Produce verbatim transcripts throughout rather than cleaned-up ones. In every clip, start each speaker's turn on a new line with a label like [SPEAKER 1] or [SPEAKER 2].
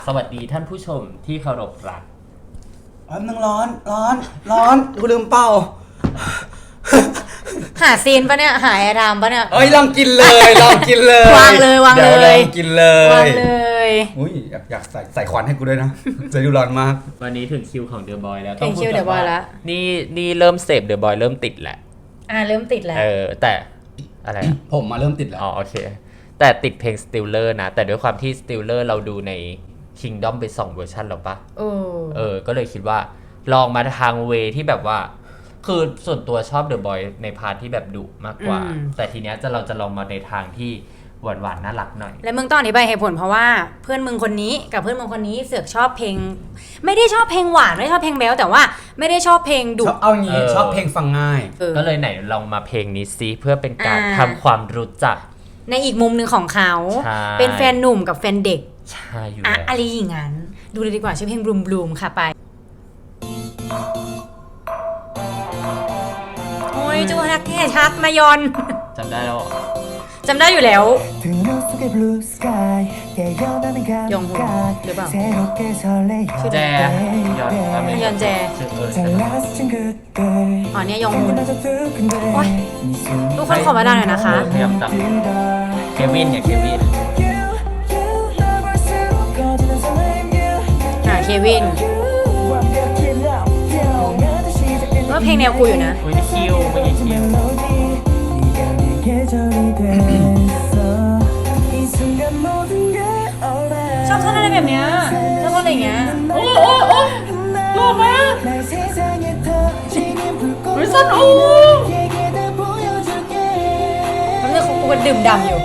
[SPEAKER 1] สวัสดีท่านผู้ชมที่เคารพรัก
[SPEAKER 2] แป๊บนึงร้อนร้อนร้อนกูลืมเป่า
[SPEAKER 3] หาซีนปะเนี่ยหาแอร์ไทม์ปะเนี่ย
[SPEAKER 2] เอ้ยลองกินเลยลองกินเลยว
[SPEAKER 3] างเลยวางเลย
[SPEAKER 2] เดี๋ยวลองกินเลยว
[SPEAKER 3] างเลย
[SPEAKER 2] อุ้ยอยากอยากใส่ใส่ควันให้กูด้วยนะจะดูร้อนมาก
[SPEAKER 1] วันนี้ถึงคิวของเดอะบอยแล้ว
[SPEAKER 3] ถึงคิวเดอะบอยแล้ว
[SPEAKER 1] นี่นี่เริ่มเสพเดอะบอยเริ่มติดแหละ
[SPEAKER 3] อ่าเริ่มติดแล้ว
[SPEAKER 1] เออแต่อะไร
[SPEAKER 2] ผมมาเริ่มติดแล้ว
[SPEAKER 1] อ๋อโอเคแต่ติดเพลง Stiller นะแต่ด้วยความที่ Stiller เราดูใน Kingdom ไปสองเวอร์ชันแล้วปะ
[SPEAKER 3] เออ
[SPEAKER 1] เออก็เลยคิดว่าลองมาทางเวที่แบบว่าคือส่วนตัวชอบเดอะบอยในพาร์ทที่แบบดุมากกว่าแต่ทีเนี้ยจะเราจะลองมาในทางที่หวานๆน่ารักหน่อย
[SPEAKER 3] และมึงต้องอธิบายเหตุผลเพราะว่าเพื่อนมึงคนนี้กับเพื่อนมึงคนนี้เสือกชอบเพลงไม่ได้ชอบเพลงหวานไม่ได้ชอบเพลงแบ๊วแต่ว่าไม่ได้ชอบเพลงดุ
[SPEAKER 2] ชอบเอางี้ชอบเพลงฟังง่าย
[SPEAKER 1] ก็เลยไหนลองมาเพลงนี้ซิเพื่อเป็นการทำความรู้จัก
[SPEAKER 3] ในอีกมุมหนึ่งของเขาเป็นแฟนหนุ่มกับแฟนเด็ก
[SPEAKER 1] ใช่อยู่
[SPEAKER 3] แล้วอะไรอย่างนั้นดูเลยดีกว่าชื่อเพลงบลูมบลูมค่ะไปโอ้ยจูฮักแค่ชักมายอน
[SPEAKER 1] จำได้แล้ว
[SPEAKER 3] จำได้อยู่แล้วยองฮุนหรือเปล่า
[SPEAKER 1] แจยอน
[SPEAKER 3] ยอนแจอ๋อเนี่ยยองฮุนโอ้ยทุกคนขอมาได้หน่อยนะคะ
[SPEAKER 1] พยายามจำเควินเนี่ยเควิน
[SPEAKER 3] อ่าเควินก็เพลงแนวกูอยู่นะ
[SPEAKER 1] อุ้ยคิวไม่ใช่คิว
[SPEAKER 3] ชอบท่อนอะไรแบบเนี้ยชอบท่อนอะไรอย่างเงี้ยโอ้โอ้โอ้หล่อมากวิสันโอ้มันจะกูเป็นดื่มดำอยู่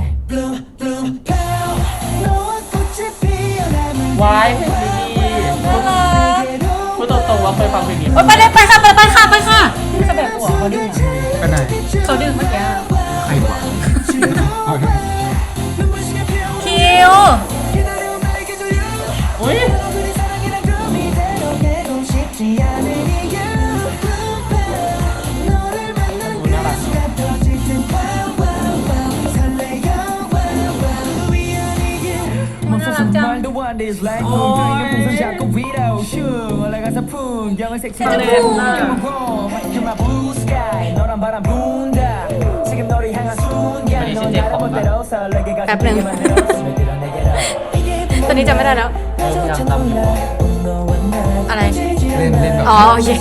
[SPEAKER 1] วายเพลงดีพูดตรงๆว่าเคยฟังเพลงนี้
[SPEAKER 3] ไปเลยไปค่ะไปไปค่ะไปค่ะนี่เขาแบบหัวเขาดึง
[SPEAKER 2] ไปไหน
[SPEAKER 3] เขาดึงเมื่อกี้
[SPEAKER 2] ใครวะ
[SPEAKER 3] คิว
[SPEAKER 1] อุ้ย
[SPEAKER 3] แป๊บนึงตอนนี้จำไม่ได้แล้วอะไร
[SPEAKER 2] เล่นเล่น
[SPEAKER 3] อ๋อโอเค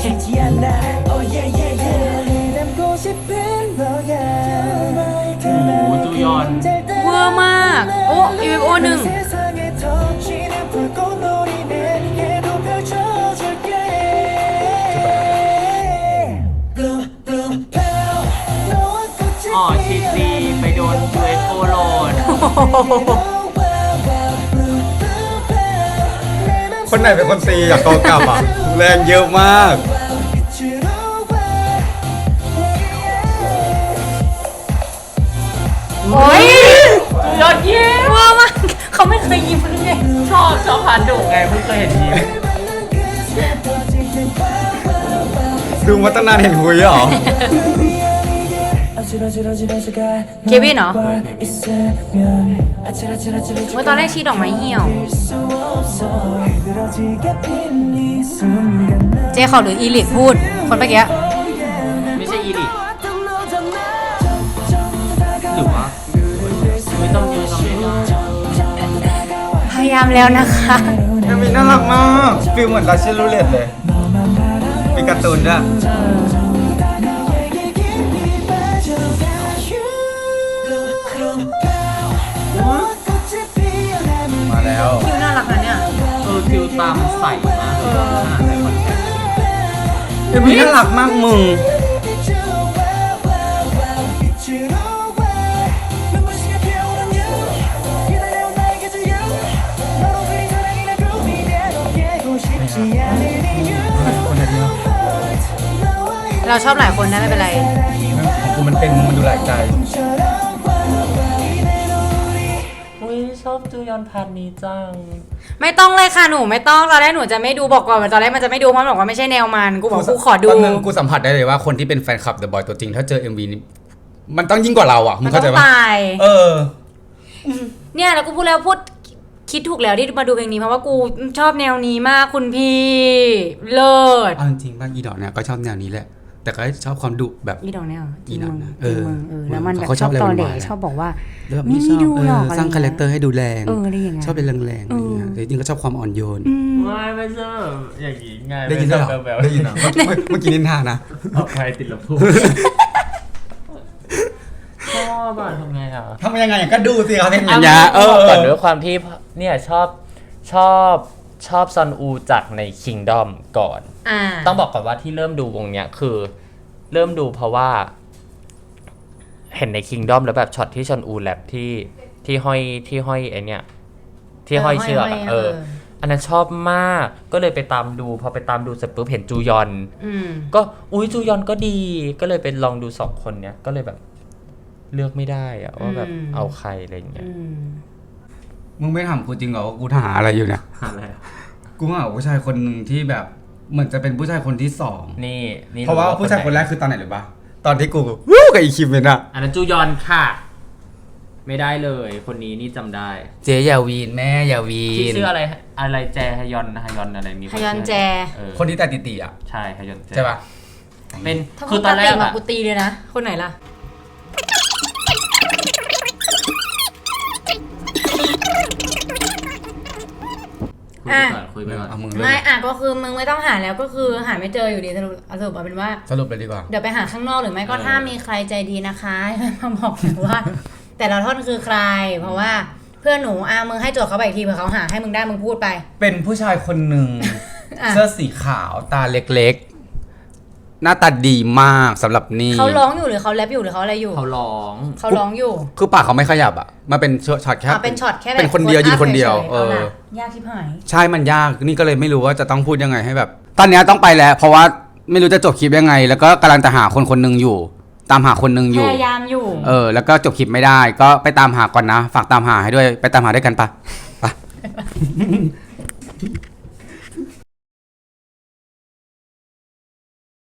[SPEAKER 1] โอ้จูยอน
[SPEAKER 3] เวอร์มากโอ้อีเวฟโอหนึ่ง
[SPEAKER 1] อ๋อชีซีไปโดนยูเอฟโอโหลด
[SPEAKER 2] คนไหนเป็นคนตีอยากกอกลับอ่ะแรงเยอะมาก
[SPEAKER 3] โอ้ย
[SPEAKER 1] ยอดเยี่ยม
[SPEAKER 3] ว้าวมากเขาไม่เคยยิ้มเลยไง
[SPEAKER 1] ชอบชอบพาร์ทดุไงเพิ่งเคยเห็นยิ้ม
[SPEAKER 2] ดูมาตั้งนานเห็นหุยเหรอ
[SPEAKER 3] เควินเหรอว่าตอนแรกชี้ดอกไม้เหี่ยวเจ๊เขาหรืออีลิทพูดคนเมื่อกี้
[SPEAKER 1] ไม่ใช่อีลิทหรือว่าไม่ต้องยืนต้องยืน
[SPEAKER 3] พยายามแล้วนะคะ
[SPEAKER 2] เอมิน่ารักมากฟิลเหมือนราชิลูเลตเลยมีการ์ตูนด้วยมาแล้ว
[SPEAKER 3] คิวน่ารักนะเนี่ย
[SPEAKER 1] เออคิวตามใส่มากเลยในคอนเทนต์
[SPEAKER 2] เอมิน่ารักมากมึง
[SPEAKER 3] เราชอบหลายคนนะไม่เป็นไร
[SPEAKER 2] ของกูมันเป็นมันดูหลายใจ
[SPEAKER 1] อุ้ยชอบจูยอนพาร์ทนี้จัง
[SPEAKER 3] ไม่ต้องเลยค่ะหนูไม่ต้องตอนแรกหนูจะไม่ดูบอกก่อนตอนแรกมันจะไม่ดูเพราะบอกว่าไม่ใช่แนวมันกูบอกกูขอดู
[SPEAKER 2] นึงกูสัมผัสได้เลยว่าคนที่เป็นแฟนคลับเดอะบอยตัวจริงถ้าเจอ เอ็ม วี นี้มันต้องยิ่งกว่าเราอ่ะมึงเข้าใจป่ะ
[SPEAKER 3] ตาย
[SPEAKER 2] เออ
[SPEAKER 3] เนี่ยแล้วกูพูดแล้วพูดคิดถูกแล้วที่มาดูเพลงนี้เพราะว่ากูชอบแนวนี้มากคุณพี่เลิศ
[SPEAKER 4] เอาจริงๆบ้างอีดอกเนี่ยก็ชอบแนวนี้แหละแต่ก็ชอบความดุแบบ
[SPEAKER 3] อีดอกเนี่ยจริง
[SPEAKER 4] อีดอก
[SPEAKER 3] มึง
[SPEAKER 4] นะ
[SPEAKER 3] จริงมึง
[SPEAKER 4] เอ
[SPEAKER 3] เอ
[SPEAKER 4] อ
[SPEAKER 3] อแล้วมันแบบ
[SPEAKER 4] เขา
[SPEAKER 3] ช
[SPEAKER 4] ช
[SPEAKER 3] อ
[SPEAKER 4] อ
[SPEAKER 3] บบ
[SPEAKER 4] อะไร
[SPEAKER 3] ตอนเด็ก
[SPEAKER 4] หวานๆ
[SPEAKER 3] ชอบบอกว่า
[SPEAKER 4] แล้วแบบ
[SPEAKER 3] ไม่
[SPEAKER 4] ชอบ
[SPEAKER 3] ดู
[SPEAKER 4] เอ
[SPEAKER 3] หรอก
[SPEAKER 4] อ
[SPEAKER 3] อะไร
[SPEAKER 4] สร้าง
[SPEAKER 3] เงี้ย
[SPEAKER 4] คาแรคเตอร์ให้ดูแรง
[SPEAKER 3] เอออะไรอย่างเงี้ย
[SPEAKER 4] ชอบเป็นแรงๆอะไรเงี้ยแต่จริงๆก็ชอบความอ่อนโยน
[SPEAKER 1] ไม่ไม่ชอบอย่างนี้ไง
[SPEAKER 4] ได้ยินด้วยเหรอ
[SPEAKER 1] แบบแบบ
[SPEAKER 4] ได้ยินเหรอเมื่อกี้เมื่อกี้นินทานะ
[SPEAKER 1] ออกไปติดลำโพงชอบอ่ะทำไงอ่ะ
[SPEAKER 2] ทำยังไงก็ดูสิครับเพลง
[SPEAKER 4] อั
[SPEAKER 2] นี้
[SPEAKER 4] ญญาเออ
[SPEAKER 1] ก่อนด้วยความที่เนี่ยชอบชอบชอบซอนอูจากใน Kingdom ก่อน
[SPEAKER 3] อ่า
[SPEAKER 1] ต้องบอกก่อนว่าที่เริ่มดูวงเนี้ยคือเริ่มดูเพราะว่า เห็นใน Kingdom แล้วแบบช็อตที่ซอนอูแรปที่ที่ห้อยที่ห้อยไอเนี้ยที่ห้อยเชือกอะเออ อันนั้นชอบมากก็เลยไปตามดูพอไปตามดูเสร็จปุ๊บเห็นจูยอน
[SPEAKER 3] อืม
[SPEAKER 1] ก็อุ้ยจูยอนก็ดี ก็เลยไปลองดูสองคนเนี้ยก็เลยแบบเลือกไม่ได้อะว่าแบบ
[SPEAKER 3] อืม
[SPEAKER 1] เอาใครอะไรอย่างเงี้ย
[SPEAKER 3] อืม
[SPEAKER 2] มึงไม่ถามกูจริงเหรอว่ากู
[SPEAKER 4] หาอะไรอยู่เนี่ย
[SPEAKER 1] อะไรอะ
[SPEAKER 2] กูหาผู้ชายคนหนึ่งที่แบบเหมือนจะเป็นผู้ชายคนที่สอง
[SPEAKER 1] นี่นี่
[SPEAKER 2] เพราะว่า
[SPEAKER 1] รู้
[SPEAKER 2] ผู้ชายคนแรก
[SPEAKER 1] ไห
[SPEAKER 2] คือตอนไหนหรือปะตอนที่กูวู้กับอีคิมเมนอะ
[SPEAKER 1] อันนั้นจูยอนค่ะ ไม่ได้เลยคนนี้นี่จำได้
[SPEAKER 4] เจ๊ยาวีนแม่ยาวี
[SPEAKER 1] ที่
[SPEAKER 4] น
[SPEAKER 1] ชื่ออะไรอะไรแจฮยอนฮยอนอะไรมี
[SPEAKER 3] ฮยอนแจ
[SPEAKER 1] เออ
[SPEAKER 2] คนที่แต่ติติอ่ะ
[SPEAKER 1] ใช่ฮยอนแจ
[SPEAKER 2] ใช่ปะ
[SPEAKER 1] เป็น
[SPEAKER 3] ถ้า
[SPEAKER 1] คื
[SPEAKER 3] พู
[SPEAKER 1] อ
[SPEAKER 3] ด
[SPEAKER 1] ตอนแรก
[SPEAKER 3] มา
[SPEAKER 1] อะ
[SPEAKER 3] กูตีเลยนะ คนไหนล่ะ
[SPEAKER 1] คุยไปก่อนคุยไปก่อน
[SPEAKER 2] เอามึง
[SPEAKER 3] ไม่อ่ะก็คือมึงไม่ต้องหาแล้วก็คือหาไม่เจออยู่ดีสรุปสรุปเอาเป็นว่า
[SPEAKER 2] สรุปเลยดีกว่า
[SPEAKER 3] เดี๋ยวไปหาข้างนอกหรือไม่ก็ถ้ามีใครใจดีนะคะมาบอกหนูว่า แต่ละท่อนคือใคร เพราะว่าเพื่อนหนูอ่ะมึงให้โจทย์เขาไปอีกทีเผื่อเขาหาให้มึงได้มึงพูดไป
[SPEAKER 2] เป็นผู้ชายคนหนึ่ง
[SPEAKER 3] อ่ะ
[SPEAKER 2] เสื้อสีขาวตาเล็ก
[SPEAKER 4] เล็กๆ หน้าตาดีมากสำหรับนี่
[SPEAKER 3] เขาร้องอยู่หรือเขาแรปอยู่หรือเขาอะไรอยู่
[SPEAKER 1] เขาร้อง
[SPEAKER 3] เขาร้องอยู่
[SPEAKER 4] คือปากเขาไม่ขยับอ่ะมาเป็นช็อตแค่
[SPEAKER 3] อ่ะเป็นช็อตแค่แบบ
[SPEAKER 4] เป็นคนเดียวยืนคนเดียว
[SPEAKER 3] ฉๆ
[SPEAKER 4] เอ
[SPEAKER 3] เอา
[SPEAKER 4] อ
[SPEAKER 3] ล่ะยากชิบหาย
[SPEAKER 4] ใช่มันยากนี่ก็เลยไม่รู้ว่าจะต้องพูดยังไงให้แบบ ตอนเนี้ยต้องไปแล้ว เพราะว่าไม่รู้จะจบคลิปยังไง แล้วก็กำลังจะหาคนคนหนึ่งอยู่ ตามหาคนหนึ่งอ
[SPEAKER 3] พ
[SPEAKER 4] ยู่
[SPEAKER 3] ยายามอยู่
[SPEAKER 4] เออแล้วก็จบคลิปไม่ได้ ก็ไปตามหาก่อนนะ ฝากตามหาให้ด้วยไปตามหาด้วยกันปะไป